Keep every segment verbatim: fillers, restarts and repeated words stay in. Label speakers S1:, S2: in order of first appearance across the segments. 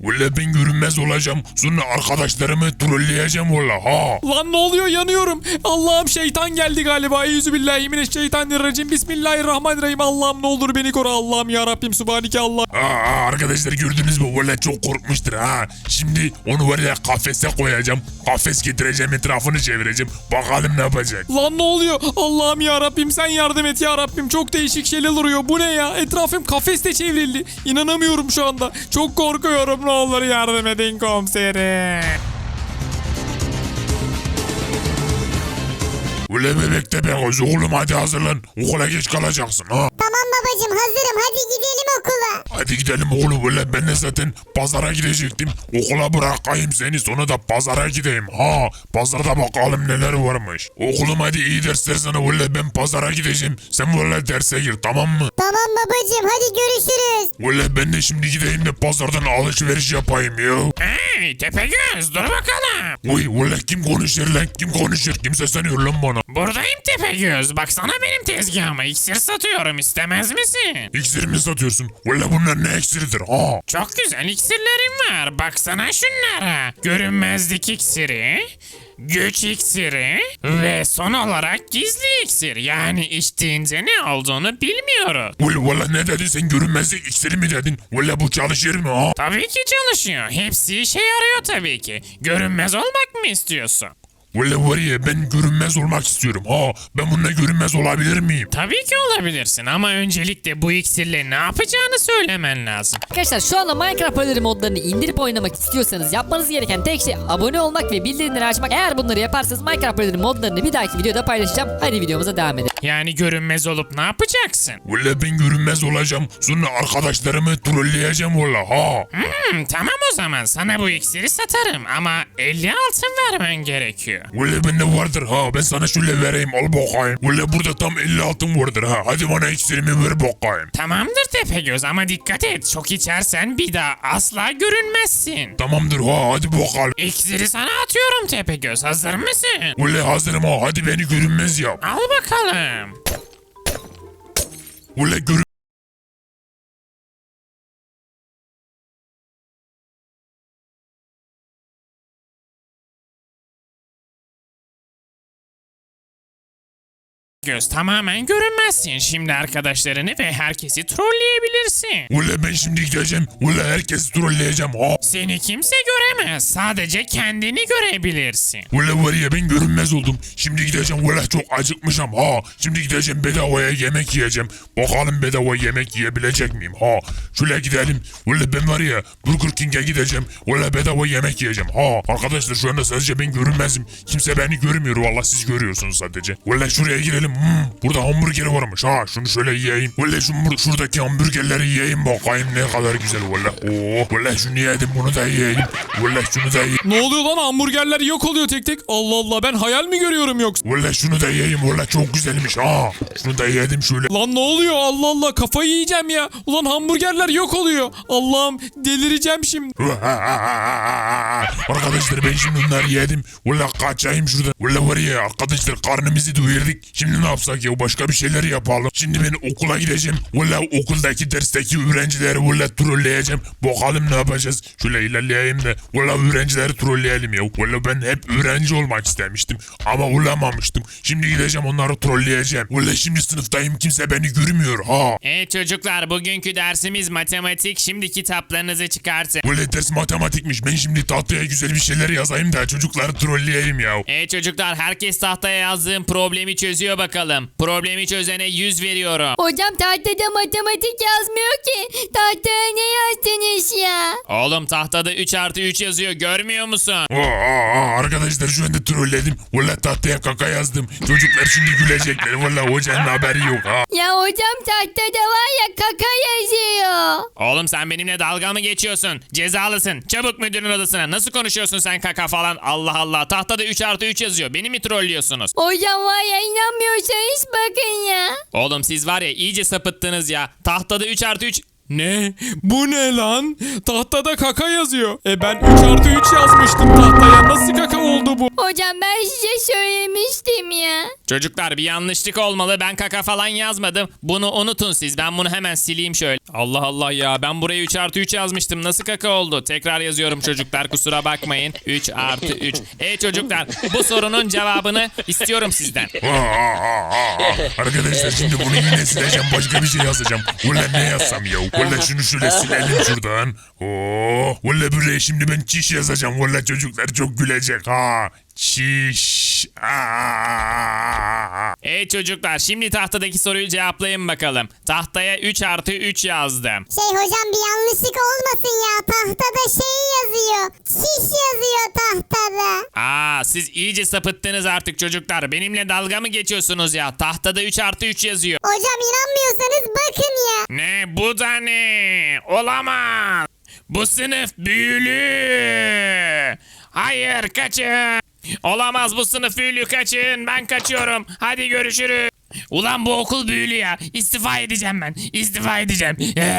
S1: Valla ben görünmez olacağım. Sonra arkadaşlarımı trolleyeceğim valla ha.
S2: Lan ne oluyor, yanıyorum. Allah'ım şeytan geldi galiba. Eyyüzübillahimineşşeytanirracim. Bismillahirrahmanirrahim. Allah'ım ne olur beni koru. Allah'ım ya Rabbim Sübhaneke Allah.
S1: Aa, arkadaşlar gördünüz mü? Valla çok korkmuştur ha. Şimdi onu var ya kafese koyacağım. Kafes getireceğim, etrafını çevireceğim. Bakalım ne yapacak.
S2: Lan ne oluyor? Allah'ım ya Rabbim sen yardım et ya Rabbim. Çok değişik şeyler oluyor. Bu ne ya? Etrafım kafeste çevrildi. İnanamıyorum şu anda. Çok korkuyorum. Ne olur yardım edin komiserim.
S1: Ule bebek de ben oğlum hadi hazırlan. Okula geç kalacaksın ha.
S3: Tamam babacım hazırım, hadi gidelim okula.
S1: Hadi gidelim oğlum. Ule ben de zaten pazara gidecektim. Okula bırakayım seni, sonra da pazara gideyim ha. Pazarda bakalım neler varmış. Oğlum hadi iyi dersler sana. Ule ben pazara gideceğim. Sen böyle derse gir, tamam mı?
S3: Tamam babacım, hadi görüşürüz.
S1: Ule ben de şimdi gideyim de pazardan alışveriş yapayım ya.
S4: Hey Tepegöz, dur bakalım.
S1: Uy ule kim konuşuyor lan? Kim konuşuyor? Kim sesleniyor lan bana?
S4: Buradayım Tepegöz. Baksana benim tezgahıma iksir satıyorum, istemez misin?
S1: İksir mi satıyorsun? Ule bunlar ne iksiridir ha?
S4: Çok güzel iksirlerim var. Baksana şunlara. Görünmezlik iksiri, güç iksiri ve son olarak gizli iksir. Yani içtiğince ne olduğunu bilmiyoruz.
S1: Ule valla ne dedin sen, görünmezlik iksiri mi dedin? Ule bu çalışır mı ha?
S4: Tabii ki çalışıyor. Hepsi işe yarıyor tabii ki. Görünmez olmak mı istiyorsun?
S1: Ule var ya ben görünmez olmak istiyorum ha. Ben bununla görünmez olabilir miyim?
S4: Tabii ki olabilirsin ama öncelikle bu iksirle ne yapacağını söylemen lazım.
S5: Arkadaşlar şu anda Minecraft Paralel modlarını indirip oynamak istiyorsanız yapmanız gereken tek şey abone olmak ve bildirimleri açmak. Eğer bunları yaparsanız Minecraft Paralel modlarını bir dahaki videoda paylaşacağım. Hadi videomuza devam edelim.
S4: Yani görünmez olup ne yapacaksın?
S1: Ule ben görünmez olacağım. Sonra arkadaşlarımı trolleyeceğim valla ha.
S4: Hmm, tamam o zaman sana bu iksiri satarım ama elli altın vermen gerekiyor.
S1: Ule bende vardır ha. Ben sana şöyle vereyim, al bakayım. Ule burada tam elli altın vardır ha. Hadi bana iksirimi ver bakayım.
S4: Tamamdır Tepegöz ama dikkat et, çok içersen bir daha asla görünmezsin.
S1: Tamamdır ha, hadi bakalım.
S4: İksiri sana atıyorum Tepegöz, hazır mısın?
S1: Ule hazırım ha, hadi beni görünmez yap.
S4: Al bakalım.
S1: Ule görün...
S4: Göz tamamen görünmezsin. Şimdi arkadaşlarını ve herkesi trolleyebilirsin.
S1: Ule ben şimdi gideceğim. Ule herkesi trolleyeceğim ha.
S4: Seni kimse göremez. Sadece kendini görebilirsin.
S1: Ule var ya ben görünmez oldum. Şimdi gideceğim. Ule çok acıkmışım ha. Şimdi gideceğim, bedavaya yemek yiyeceğim. Bakalım bedava yemek yiyebilecek miyim ha. Şöyle gidelim. Ule ben var ya Burger King'e gideceğim. Ule bedava yemek yiyeceğim ha. Arkadaşlar şu anda sadece ben görünmezim. Kimse beni görmüyor. Vallahi siz görüyorsunuz sadece. Ule şuraya girelim. Hmm, burada hamburger varmış ha. Şunu şöyle yiyeyim. Ule şu, şuradaki hamburgerleri yiyeyim bakayım ne kadar güzel. Ule oh. Ule şunu yedim, bunu da yiyeyim. Ule şunu da yiyeyim.
S2: Ne oluyor lan, hamburgerler yok oluyor tek tek. Allah Allah, ben hayal mi görüyorum yoksa?
S1: Ule şunu da yiyeyim. Ule çok güzelmiş ha. Şunu da yedim şöyle.
S2: Lan ne oluyor, Allah Allah, kafayı yiyeceğim ya. Ulan hamburgerler yok oluyor. Allah'ım delireceğim şimdi.
S1: Arkadaşlar ben şimdi bunları yedim. Ule kaçayım şuradan. Ule var ya arkadaşlar karnımızı doyurduk. Şimdi ne yapsak ya, başka bir şeyler yapalım. Şimdi ben okula gideceğim. Ule okuldaki dersteki öğrencileri ule trolleyeceğim. Bakalım ne yapacağız. Şöyle ilerleyeyim de. Ule öğrencileri trolleyelim ya. Ule ben hep öğrenci olmak istemiştim. Ama olamamıştım. Şimdi gideceğim onları trolleyeceğim. Ule şimdi sınıftayım, kimse beni görmüyor ha.
S4: Evet çocuklar, bugünkü dersimiz matematik. Şimdi kitaplarınızı çıkartın.
S1: Ule ders matematikmiş. Ben şimdi tahtaya güzel bir şeyler yazayım da çocukları trolleyeyim ya.
S4: Evet çocuklar, herkes tahtaya yazdığım problemi çözüyor bakalım. Problemi çözene yüz veriyorum.
S3: Hocam tahtada matematik yazmıyor ki. Tahtaya ne yazdınız ya?
S4: Oğlum tahtada üç artı üç yazıyor, görmüyor musun?
S1: Aa, aa, arkadaşlar şu anda trolledim. Valla tahtaya kaka yazdım. Çocuklar şimdi gülecekler. Valla hocanın haberi yok ha.
S3: Ya hocam tahtada var ya kaka yazıyor.
S4: Oğlum sen benimle dalga mı geçiyorsun? Cezalısın. Çabuk müdürün odasına. Nasıl konuşuyorsun sen kaka falan? Allah Allah. Tahtada üç artı üç yazıyor. Beni mi trollüyorsunuz?
S3: Hocam var ya, inanmıyorsanız bakın ya.
S4: Oğlum siz var ya iyice sapıttınız ya. Tahtada üç artı üç...
S2: Ne? Bu ne lan? Tahtada kaka yazıyor. E ben üç artı üç yazmıştım tahtaya. Nasıl kaka oldu bu?
S3: Hocam ben size söylemiştim ya.
S4: Çocuklar bir yanlışlık olmalı. Ben kaka falan yazmadım. Bunu unutun siz. Ben bunu hemen sileyim şöyle. Allah Allah ya. Ben buraya üç artı üç yazmıştım. Nasıl kaka oldu? Tekrar yazıyorum çocuklar. Kusura bakmayın. üç artı üç. E çocuklar bu sorunun cevabını istiyorum sizden.
S1: Aa, aa, aa, aa. Arkadaşlar şimdi bunu yine sileceğim. Başka bir şey yazacağım. Valla ne yazsam ya? Valla şunu şöyle silelim şuradan. Oo, valla buraya şimdi ben çiş yazacağım. Valla çocuklar çok gülecek ha. Çiş. Aa.
S4: E çocuklar şimdi tahtadaki soruyu cevaplayın bakalım. Tahtaya üç artı üç yazdım.
S6: Şey hocam bir yanlışlık olmasın ya. Tahtada şey yazıyor. Çiş yazıyor tahtada.
S4: Aa siz iyice sapıttınız artık çocuklar. Benimle dalga mı geçiyorsunuz ya? Tahtada üç artı üç yazıyor.
S6: Hocam inanmıyorsanız bakın ya.
S4: Ne bu da ne? Olamaz. Bu sınıf büyülü. Hayır kaçın. Olamaz bu sınıf büyülü kaçın. Ben kaçıyorum. Hadi görüşürüz. Ulan bu okul büyülü ya. İstifa edeceğim ben. İstifa edeceğim.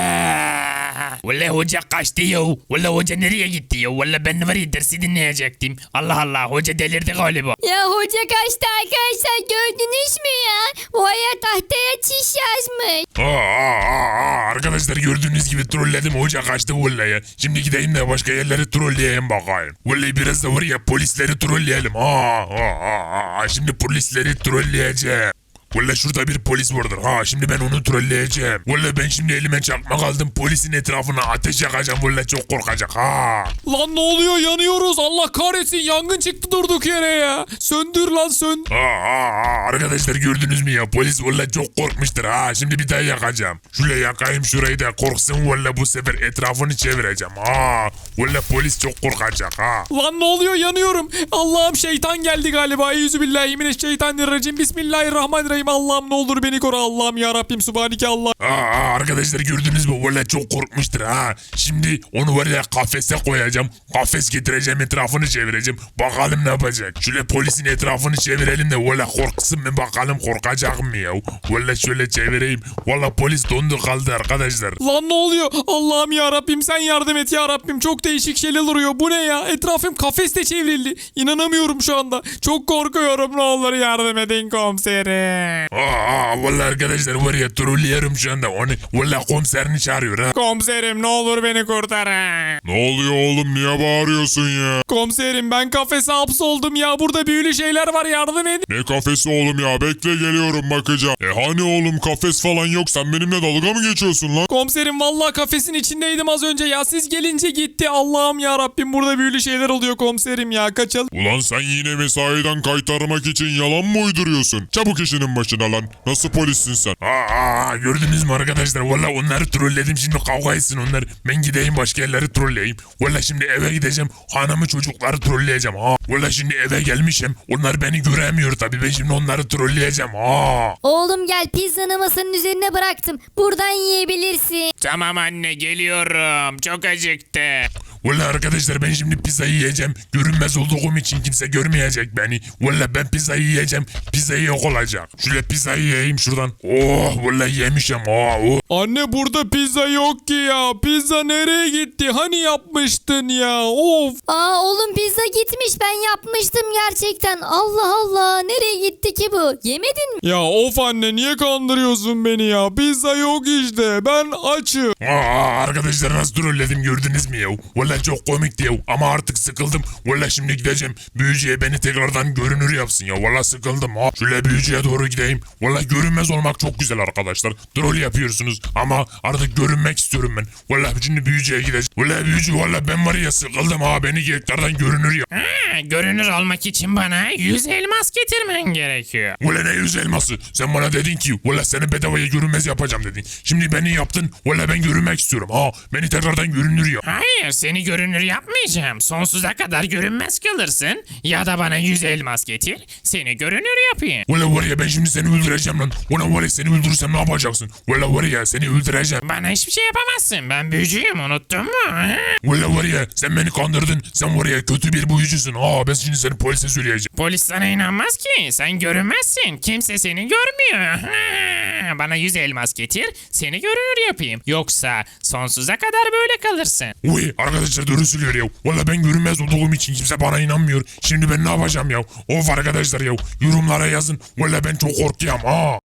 S4: Valla hoca kaçtı ya. Valla hoca nereye gitti ya? Valla ben var ya dersi dinleyecektim. Allah Allah hoca delirdi galiba.
S3: Ya hoca kaçtı arkadaşlar gördünüz mü ya? O aya tahtaya çiş yazmış.
S1: Aa, aa, aa, arkadaşlar gördüğünüz gibi trolledim hoca kaçtı vallahi ya. Şimdi gideyim de başka yerleri trolleyeyim bakayım. Vallahi biraz da var ya polisleri trolleyelim. Aa, aa, aa, aa. Şimdi polisleri trolleyeceğim. Vallahi şurada bir polis vardır. Ha şimdi ben onu trolleyeceğim. Vallahi ben şimdi elime çakmak aldım. Polisin etrafına ateş yakacağım. Vallahi çok korkacak ha.
S2: Lan ne oluyor? Yanıyoruz. Allah kahretsin. Yangın çıktı durduk yere ya. Söndür lan söndür.
S1: Aa, aa, aa, arkadaşlar gördünüz mü ya? Polis vallahi çok korkmuştur ha. Şimdi bir daha yakacağım. Şöyle yakayım şurayı da korksun vallahi bu sefer etrafını çevireceğim. Ha. Vallahi polis çok korkacak ha.
S2: Lan ne oluyor? Yanıyorum. Allah'ım şeytan geldi galiba. Eyyüzübillahimineşşeytanirracim. Bismillahirrahmanirrahim. Allah'ım ne olur beni koru. Allah'ım ya Rabbim Subhaneke Allah.
S1: Aa, aa, arkadaşlar gördünüz mü? Vallahi çok korkmuştur ha. Şimdi onu var ya kafese koyacağım. Kafes getireceğim etrafını çevireceğim. Bakalım ne yapacak. Şöyle polisin etrafını çevirelim de vallahi korksun mu bakalım korkacak mı ya. Vallahi şöyle çevireyim. Vallahi polis dondu kaldı arkadaşlar.
S2: Lan ne oluyor? Allah'ım ya Rabbim sen yardım et ya Rabbim. Çok değişik şeyler oluyor. Bu ne ya? Etrafım kafeste çevrildi. İnanamıyorum şu anda. Çok korkuyorum. Ne olur yardım edin komiserim.
S1: Aa, aa, vallahi arkadaşlar var ya trolleyelim şu anda onu. Vallahi komiserini çağırıyor ha.
S2: Komiserim ne olur beni kurtarın.
S1: Ne oluyor oğlum niye bağırıyorsun ya?
S2: Komiserim ben kafese hapsoldum ya. Burada büyülü şeyler var yardım edin.
S1: Ne kafesi oğlum ya bekle geliyorum bakacağım. E hani oğlum kafes falan yok sen benimle dalga mı geçiyorsun lan?
S2: Komiserim vallahi kafesin içindeydim az önce ya. Siz gelince gitti. Allah'ım ya Rabbim burada büyülü şeyler oluyor komiserim ya. Kaçalım.
S1: Ulan sen yine mesaiden kaytarmak için yalan mı uyduruyorsun? Çabuk işinin başına lan. Nasıl polissin sen? Aa, aa gördünüz mü arkadaşlar? Valla onları trolledim şimdi kavga etsin onlar. Ben gideyim başka yerleri trolleyeyim. Valla şimdi eve gideceğim. Hanımı çocukları trolleyeceğim. Ha. Valla şimdi eve gelmişim. Onlar beni göremiyor tabii. Ben şimdi onları trolleyeceğim. Ha.
S3: Oğlum gel pizzanı masanın üzerine bıraktım. Buradan yiyebilirsin.
S4: Tamam anne geliyorum. Çok acıktı.
S1: Valla arkadaşlar ben şimdi pizzayı yiyeceğim. Görünmez olduğum için kimse görmeyecek beni. Valla ben pizzayı yiyeceğim. Pizzayı yok olacak. Şöyle pizzayı yiyeyim şuradan. Oh valla yemişim. Oh, oh.
S2: Anne burada pizza yok ki ya. Pizza nereye gitti? Hani yapmıştın ya? Of.
S3: Aa oğlum pizza gitmiş ben yapmıştım gerçekten. Allah Allah nereye gitti ki bu? Yemedin mi?
S2: Ya of anne niye kandırıyorsun beni ya? Pizza yok işte. Ben açım.
S1: Aa, arkadaşlar nasıl trolledim gördünüz mü ya? Valla çok komikti ya ama artık sıkıldım. Valla şimdi gideceğim. Büyücüye beni tekrardan görünür yapsın ya. Valla sıkıldım ha. Şöyle büyücüye doğru gideyim. Valla görünmez olmak çok güzel arkadaşlar. Troll yapıyorsunuz ama artık görünmek istiyorum ben. Valla şimdi büyücüye gideceğim. Valla büyücü valla ben var ya sıkıldım ha. Beni tekrardan görünür yap.
S4: Ha, görünür olmak için bana yüz elmas getirmen gerekiyor.
S1: Valla ne yüz elması? Sen bana dedin ki valla seni bedavaya görünmez yapacağım dedin. Şimdi beni yaptın. Valla ben görünmek istiyorum ha. Beni tekrardan görünür yap.
S4: Hayır seni görünür yapmayacağım. Sonsuza kadar görünmez kalırsın. Ya da bana yüz elmas getir. Seni görünür yapayım.
S1: Valla var ya ben şimdi seni öldüreceğim lan. Ulan var ya seni öldürürsem ne yapacaksın? Valla var ya seni öldüreceğim.
S4: Bana hiçbir şey yapamazsın. Ben büyücüyüm unuttun mu? Ha?
S1: Valla var ya sen beni kandırdın. Sen var ya kötü bir büyücüsün. Aa ben şimdi seni polise söyleyeceğim.
S4: Polis sana inanmaz ki. Sen görünmezsin. Kimse seni görmüyor. Ha, zaman bana yüz elmas getir, seni görünür yapayım. Yoksa sonsuza kadar böyle kalırsın.
S1: Uy arkadaşlar doğru söylüyor ya. Valla ben görünmez olduğum için kimse bana inanmıyor. Şimdi ben ne yapacağım ya? Of arkadaşlar ya yorumlara yazın. Valla ben çok korkuyorum ha.